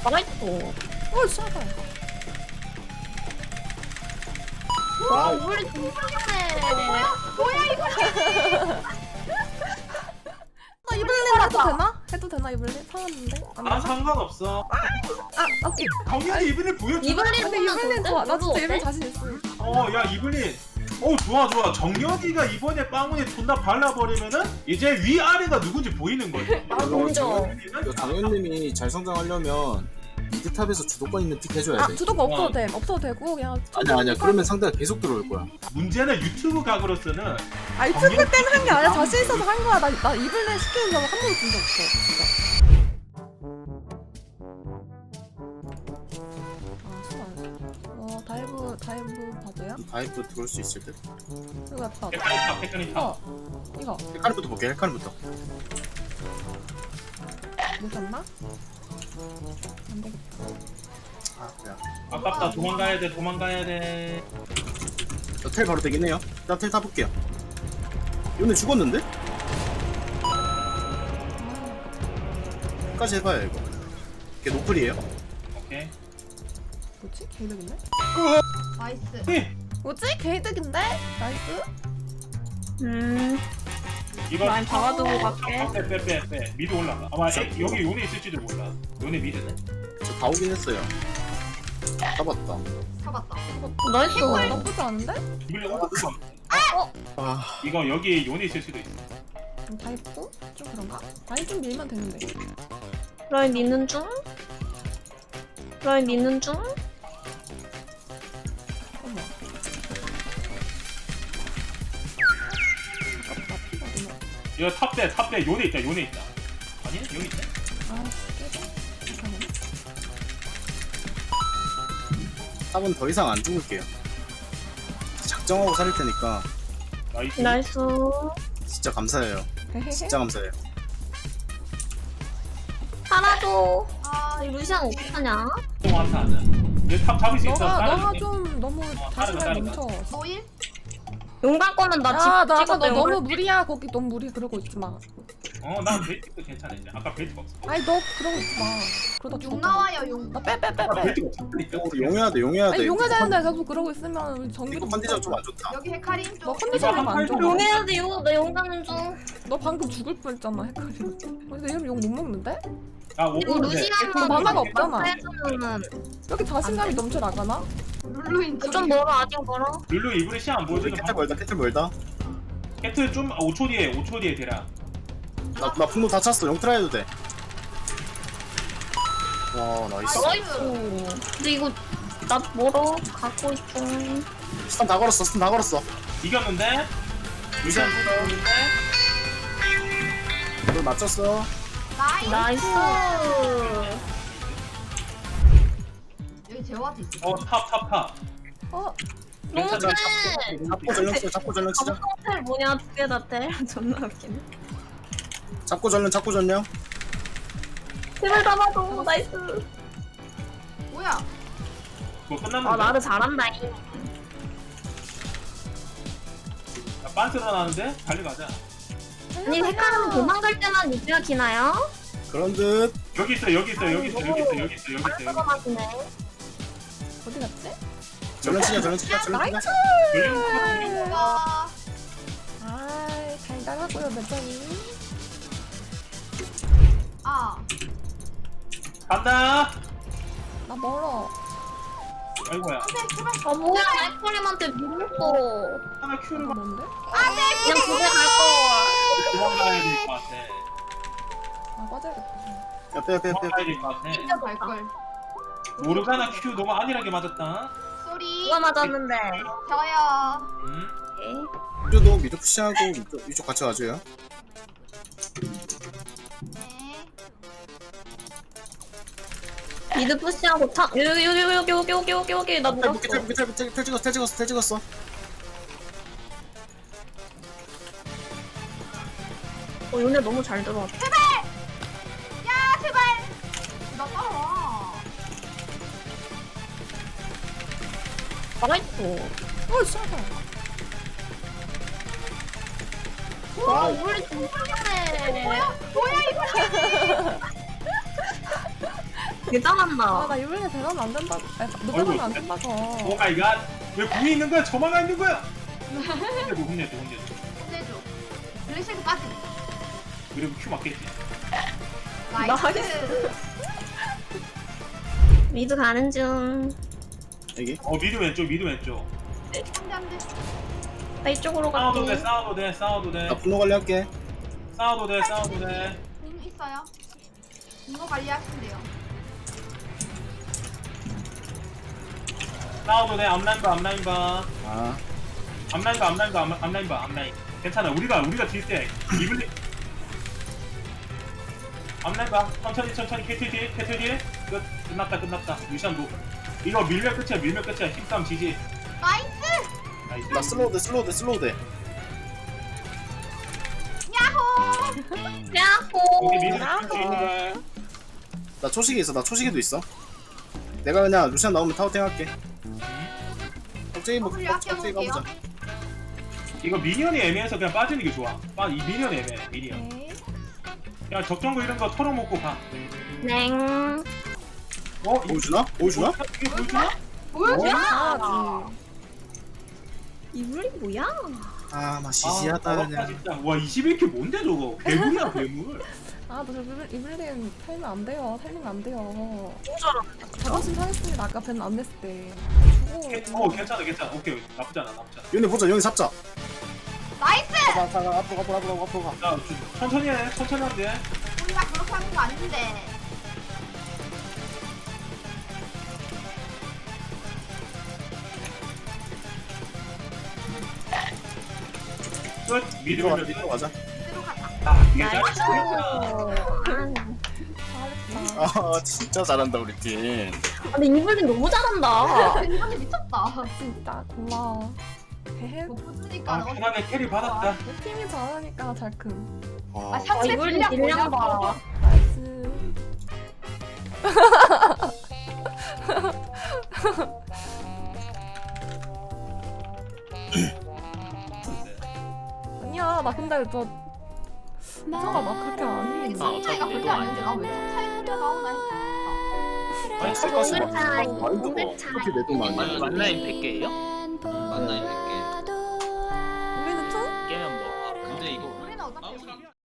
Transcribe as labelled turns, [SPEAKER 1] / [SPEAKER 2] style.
[SPEAKER 1] 나이스.
[SPEAKER 2] 어 싸다.
[SPEAKER 1] 와, 우리 동생이네.
[SPEAKER 3] 뭐야 이거?
[SPEAKER 2] 나 이블린 해도 되나? 해도 되나 이블린? 사왔는데? 안
[SPEAKER 4] 아
[SPEAKER 2] 되나?
[SPEAKER 4] 상관없어.
[SPEAKER 2] 아 오케이.
[SPEAKER 4] 당연히 이블린 보여줘.
[SPEAKER 1] 이블린
[SPEAKER 2] 근데 이블린 좋아. 나 진짜 이블린 자신 있어.
[SPEAKER 4] 야 이블린. 좋아. 정연이가 이번에 빵운에 존나 발라버리면은 이제 위아래가 누군지 보이는 거지.
[SPEAKER 1] 아, 인정.
[SPEAKER 5] 이거 정현님이 잘 성장하려면 미드탑에서 주도권 있는 픽 해줘야 돼.
[SPEAKER 2] 주도가 없어도 돼. 없어도 되고 그냥.
[SPEAKER 5] 아니야. 그러면 상대가 계속 들어올 거야.
[SPEAKER 4] 문제는 유튜브 각으로서는
[SPEAKER 2] 아 유튜브 때문에 한 게 아니라 자신 있어서 한 거야. 나 이블린 시키는 적한 번도 본 적 없어. 진짜. 아 수고하네. 다이브 봐줘요?
[SPEAKER 5] 다이브 들어올 수 있을 듯.
[SPEAKER 2] 이거 예쁘다.
[SPEAKER 4] 헷갈리다.
[SPEAKER 2] 이거
[SPEAKER 5] 헬카르부터 볼게. 헬카르부터.
[SPEAKER 2] 못했나? 안 되겠다.
[SPEAKER 5] 아 그래.
[SPEAKER 4] 아깝다. 도망가야 돼.
[SPEAKER 5] 텔 바로 되긴 해요. 일단 텔 타볼게요. 얘네 죽었는데? 끝까지 해봐요 이거. 이게 노플이에요.
[SPEAKER 4] 오케이.
[SPEAKER 2] 뭐지? 개이득인데?
[SPEAKER 3] 나이스.
[SPEAKER 2] 뭐지? 개이득인데? 나이스.
[SPEAKER 4] 이거
[SPEAKER 1] 라인 박아두고 갈게.
[SPEAKER 4] 빼. 미드 올라가. 아마 여기 요네 있을지도 몰라. 요네 미드네.
[SPEAKER 5] 저 다 오긴 했어요. 잡았다.
[SPEAKER 3] 잡았다.
[SPEAKER 1] 나이스.
[SPEAKER 2] 나쁘지 않은데?
[SPEAKER 4] 이블린
[SPEAKER 5] 아
[SPEAKER 4] 이거 여기 요네 있을 수도 있어.
[SPEAKER 2] 다 입고? 좀 그런가? 라인 좀 밀면 되는데.
[SPEAKER 1] 라인 믿는 중? 라인 믿는 중?
[SPEAKER 2] 어머. 아깝다. 피가 너무.
[SPEAKER 4] 이거 탑대 요네 있다. 아니 여기 있다.
[SPEAKER 2] 아, 깨져? 잠깐만.
[SPEAKER 5] 탑은 더 이상 안 죽을게요. 작정하고 살릴 테니까
[SPEAKER 4] 나이스.
[SPEAKER 1] 나이스.
[SPEAKER 5] 진짜 감사해요. 진짜 감사해요.
[SPEAKER 1] 하나도.
[SPEAKER 3] 아
[SPEAKER 1] 이 루시안 어떡하냐?
[SPEAKER 4] 또 완타하자. 얘탑 잡을 수 있어.
[SPEAKER 2] 너가 좀 너무 자신감
[SPEAKER 4] 다르다.
[SPEAKER 2] 넘쳐.
[SPEAKER 3] 노일?
[SPEAKER 1] 용갈 거면
[SPEAKER 2] 야,
[SPEAKER 1] 나
[SPEAKER 2] 나
[SPEAKER 1] 집
[SPEAKER 2] 아까 너
[SPEAKER 1] 찍어도
[SPEAKER 2] 너무 무리야. 거기 너무 무리 그러고 있지 마.
[SPEAKER 4] 난 베이직도 괜찮아. 이제 아까 베이직 없어.
[SPEAKER 2] 아니 너 그러고 있지 마. 그러다
[SPEAKER 3] 용
[SPEAKER 2] 죽었다.
[SPEAKER 3] 나와요 용.
[SPEAKER 2] 나 빼.
[SPEAKER 4] 베이직 없으니까.
[SPEAKER 5] 용해야 돼.
[SPEAKER 2] 아니 용해야 되는데 계속 그러고 있으면 우리 정규.
[SPEAKER 5] 이거 컨디션 좀 안 좋다.
[SPEAKER 3] 여기 헤카림
[SPEAKER 2] 너
[SPEAKER 3] 좀.
[SPEAKER 2] 컨디션이 안 좋아.
[SPEAKER 1] 용해야 돼. 나 용가는 중.
[SPEAKER 2] 너 방금 죽을 뻔했잖아. 헷갈려. 근데 이름 욕 못 먹는데?
[SPEAKER 1] 이거
[SPEAKER 4] 오고
[SPEAKER 1] 루시안만
[SPEAKER 2] 만화가 없잖아.
[SPEAKER 1] 해주면은
[SPEAKER 2] 이렇게 자신감이 넘쳐 나가나?
[SPEAKER 3] 룰루인
[SPEAKER 1] 좀 멀어. 아직 멀어.
[SPEAKER 4] 룰루 이블린 시안 안 보여주는
[SPEAKER 5] 캐틀 멀다.
[SPEAKER 4] 캐틀 좀 5초 뒤에 대라.
[SPEAKER 5] 나 분노 다 찼어. 영트라 해도 돼. 와 나이스.
[SPEAKER 1] 나이스. 근데 이거 나 멀어. 갖고 있어.
[SPEAKER 5] 스턴 다 걸었어.
[SPEAKER 4] 이겼는데? 루시안 뽑았는데?
[SPEAKER 5] 너 맞췄어.
[SPEAKER 3] 나이스.
[SPEAKER 1] 나이스.
[SPEAKER 3] 여기 제어와트 있어.
[SPEAKER 4] 탑.
[SPEAKER 2] 어?
[SPEAKER 1] 너무
[SPEAKER 4] 괜찮아.
[SPEAKER 1] 세.
[SPEAKER 5] 잡고 전령 치자.
[SPEAKER 1] 호텔 뭐냐? 두 개 다 돼. 존나 웃기네.
[SPEAKER 5] 잡고 전령.
[SPEAKER 1] 제발 잡아줘. 나이스.
[SPEAKER 3] 뭐야?
[SPEAKER 4] 그거 끝났는데?
[SPEAKER 1] 아 나를 잘한다.
[SPEAKER 4] 빤스로 나는데? 달려가자.
[SPEAKER 1] 아니 헷갈리면 도망갈 때만 유지가 기나요?
[SPEAKER 5] 그런 듯.
[SPEAKER 4] 여기 있어.
[SPEAKER 1] 잠깐만요.
[SPEAKER 2] 어디 갔지?
[SPEAKER 5] 전령 치자.
[SPEAKER 2] 나이스!
[SPEAKER 3] 와.
[SPEAKER 2] 아이 잘 나가고요 매점이.
[SPEAKER 3] 아.
[SPEAKER 4] 간다!
[SPEAKER 2] 나 멀어.
[SPEAKER 4] 아이고야.
[SPEAKER 3] 제발.
[SPEAKER 1] 아 뭐야 알코림한테 밀렸어.
[SPEAKER 4] 하나
[SPEAKER 2] 이거
[SPEAKER 4] 큐를
[SPEAKER 2] 뭔데?
[SPEAKER 1] 그냥 집에 갈 거.
[SPEAKER 4] 도망가야 될 것 같아.
[SPEAKER 2] 아 빠져야겠다.
[SPEAKER 5] 빼.
[SPEAKER 4] 도망가야 될 것 같아.
[SPEAKER 3] 진짜 갈걸.
[SPEAKER 4] 모르가나 큐 너무 안일하게 맞았다.
[SPEAKER 3] 쏘리.
[SPEAKER 1] 누가 맞았는데?
[SPEAKER 3] 저요.
[SPEAKER 1] 오케이.
[SPEAKER 5] 유저도 미드 푸시하고 이쪽 같이 가줘요.
[SPEAKER 3] 네.
[SPEAKER 1] 미드 푸시하고 타 여기 나 물었어.
[SPEAKER 5] 텔 찍었어.
[SPEAKER 1] 요네 너무 잘 들어왔다.
[SPEAKER 3] 야 제발. 나 따라와.
[SPEAKER 1] 나이스.
[SPEAKER 2] 어 싸다.
[SPEAKER 1] 와 우리 동생이네.
[SPEAKER 3] 뭐야 이거?
[SPEAKER 1] 대단한다.
[SPEAKER 2] 아나 이블린 대단하면 안 된다. 노가면 안 된다고.
[SPEAKER 4] 오 마이 갓. 왜 궁이 있는 거야? 저만 있는 거야? 혼내도.
[SPEAKER 3] 혼내줘. 블랙실드까지.
[SPEAKER 4] 그리고 큐 맞겠지.
[SPEAKER 3] 나이스.
[SPEAKER 1] 미드 가는 중.
[SPEAKER 5] 여기.
[SPEAKER 4] 미드 왼쪽, 미드 왼쪽.
[SPEAKER 3] 안돼.
[SPEAKER 1] 나 이쪽으로
[SPEAKER 4] 싸워도 돼,
[SPEAKER 1] 갈게.
[SPEAKER 4] 싸워도 돼, 싸워도 돼.
[SPEAKER 5] 나 분노 관리할게.
[SPEAKER 4] 싸워도 돼, 싸워도 돼.
[SPEAKER 3] 공 있어요. 이거 관리하시면 돼요.
[SPEAKER 4] 싸워도 돼. 앞라인 봐, 앞라인 봐.
[SPEAKER 5] 아,
[SPEAKER 4] 앞라인 봐, 앞라인 봐, 앞라인 봐, 앞라인. 괜찮아. 우리가 딜때 이블리. 앞라인 봐. 천천히 캐틀 뒤에. 끝났다. 루시안 노. 이거 밀면 끝이야. 13 지지.
[SPEAKER 3] 나이스.
[SPEAKER 4] 나이스.
[SPEAKER 5] 나 슬로우 돼.
[SPEAKER 3] 야호.
[SPEAKER 4] 여기
[SPEAKER 1] 야호.
[SPEAKER 4] 미드 왼쪽.
[SPEAKER 5] 나 초식이 있어. 나 초식이도 있어. 내가 그냥 루시안 나오면 타워팅 할게. 갑자기 뭐
[SPEAKER 3] W
[SPEAKER 5] 갑자기
[SPEAKER 3] 아껴볼게요.
[SPEAKER 5] 가보자.
[SPEAKER 4] 이거 미니언이 애매해서 그냥 빠지는 게 좋아. 이 미니언 애매해. 미니언.
[SPEAKER 2] 네.
[SPEAKER 4] 그냥 적정거 이런 거 털어먹고 가.
[SPEAKER 1] 냉.
[SPEAKER 5] 보여주나? 보여주나?
[SPEAKER 4] 이게 보여주나?
[SPEAKER 3] 보여줘.
[SPEAKER 2] 잘하지.
[SPEAKER 1] 이블린 뭐야?
[SPEAKER 5] 아, 나 시시하다
[SPEAKER 4] 더럽다,
[SPEAKER 5] 그냥.
[SPEAKER 4] 진짜. 와 21킬 뭔데 저거? 괴물이야 괴물.
[SPEAKER 2] 아너 이블린 살면 안 돼요. 살리면 안 돼요.
[SPEAKER 1] 너무 잘한다.
[SPEAKER 2] 자존심 상했습니다. 아까 벤 안 냈을 때.
[SPEAKER 4] 괜찮아. 오케이 나쁘지 않아.
[SPEAKER 5] 연애 보자. 연애 잡자.
[SPEAKER 3] 나이스.
[SPEAKER 5] 가. 앞으로 가.
[SPEAKER 4] 자 천천히 하면 돼.
[SPEAKER 3] 우리가 그렇게 하는 거 아닌데.
[SPEAKER 4] 끝.
[SPEAKER 5] 미드로 가자.
[SPEAKER 4] 미드.
[SPEAKER 5] 미드로 가자.
[SPEAKER 3] 이대로 가자.
[SPEAKER 4] 이게
[SPEAKER 1] 나이스.
[SPEAKER 2] 잘했다.
[SPEAKER 5] 아, 진짜 잘한다 우리 팀.
[SPEAKER 1] 근데 이블린 너무 잘한다.
[SPEAKER 3] 이번에 미쳤다.
[SPEAKER 2] 진짜 고마워. 헤헤.
[SPEAKER 3] 못 부수니까
[SPEAKER 4] 편하게 캐리 받았다.
[SPEAKER 2] 내 팀이 잘하니까 잘 큼.
[SPEAKER 5] 와,
[SPEAKER 3] 아 상대
[SPEAKER 1] 이블린
[SPEAKER 3] 딜량
[SPEAKER 1] 딜량
[SPEAKER 3] 뭐냐?
[SPEAKER 1] 봐.
[SPEAKER 2] 나이스. 아니야 나 근데 저 차가 막 그렇게 아니.
[SPEAKER 3] 승리 차이가 그렇게 안 되는데 나왜 차이 나오나 했어.
[SPEAKER 5] 아니 쌀가스
[SPEAKER 1] 오늘 차이,
[SPEAKER 5] 막 마인드가
[SPEAKER 1] 오늘 차이.
[SPEAKER 5] 그렇게 내돈 많이.
[SPEAKER 6] 만라인 100개예요? 만라인 100개
[SPEAKER 2] 우리는 총?
[SPEAKER 6] 깨면 뭐 근데 이거
[SPEAKER 3] 우리는 어차피